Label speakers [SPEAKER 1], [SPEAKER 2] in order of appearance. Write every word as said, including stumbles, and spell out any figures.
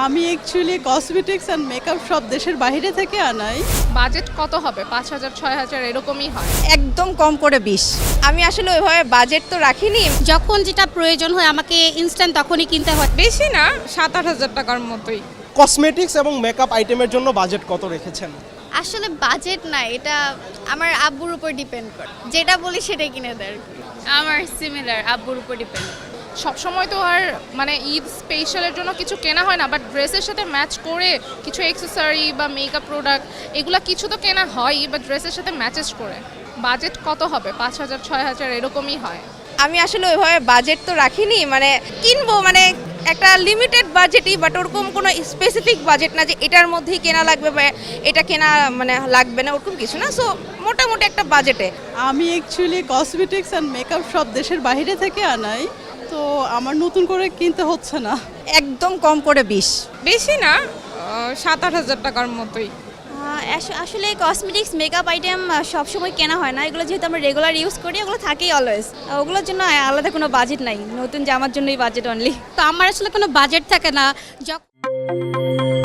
[SPEAKER 1] আমি actually cosmetics and makeup সব দেশের বাইরে থেকে আনাই।
[SPEAKER 2] বাজেট কত হবে? পাঁচ হাজার ছয় হাজার এরকমই হয়।
[SPEAKER 3] একদম কম করে বিশ। আমি আসলে ওইভাবে বাজেট তো রাখিনি।
[SPEAKER 4] যখন যেটা প্রয়োজন হয় আমাকে ইনস্ট্যান্ট তখনই কিনতে হয়।
[SPEAKER 2] বেশি না, সাত আট হাজার টাকার মতোই।
[SPEAKER 5] কসমেটিক্স এবং মেকআপ আইটেমের জন্য বাজেট কত রেখেছেন?
[SPEAKER 6] আসলে বাজেট না, এটা আমার আব্বুর উপর ডিপেন্ড করে, যেটা বলি সেটাই কিনে দেয়।
[SPEAKER 4] আমার সিমিলার, আব্বুর উপর ডিপেন্ড।
[SPEAKER 2] সবসময় তো আর মানে ঈদ স্পেশালের জন্য কিছু কেনা হয় না, বাট ড্রেসের সাথে ম্যাচ করে কিছু অ্যাক্সেসরি বা মেকআপ প্রোডাক্ট এগুলো কিছু তো কেনা হয়ই, বা ড্রেসের সাথে ম্যাচেস করে। বাজেট কত হবে? পাঁচ হাজার ছয় হাজার এরকমই হয়।
[SPEAKER 3] আমি আসলে ওইভাবে বাজেট তো রাখিনি, মানে কিনবো মানে একটা লিমিটেড বাজেটই, বাট ওরকম কোনো স্পেসিফিক বাজেট না যে এটার মধ্যেই কেনা লাগবে বা এটা কেনা মানে লাগবে না, ওরকম কিছু না। সো মোটামুটি একটা বাজেটে।
[SPEAKER 1] আমি অ্যাকচুয়ালি কসমেটিক্স অ্যান্ড মেকআপ সব দেশের বাইরে থেকে আনাই, তো আমার নতুন করে কিনতে হচ্ছে না।
[SPEAKER 3] একদম কম করে বিশ।
[SPEAKER 2] বেশি না, সাত আট হাজার টাকার মতোই।
[SPEAKER 6] আসলে কসমেটিক্স মেকআপ আইটেম সবসময় কেনা হয় না, এগুলো যেহেতু আমরা রেগুলার ইউজ করি ওগুলো থাকেই অলওয়েজ, ওগুলোর জন্য আলাদা কোনো বাজেট নাই, নতুন জামার জন্যই বাজেট অনলি।
[SPEAKER 4] তো আমার আসলে কোনো বাজেট থাকে না। যখন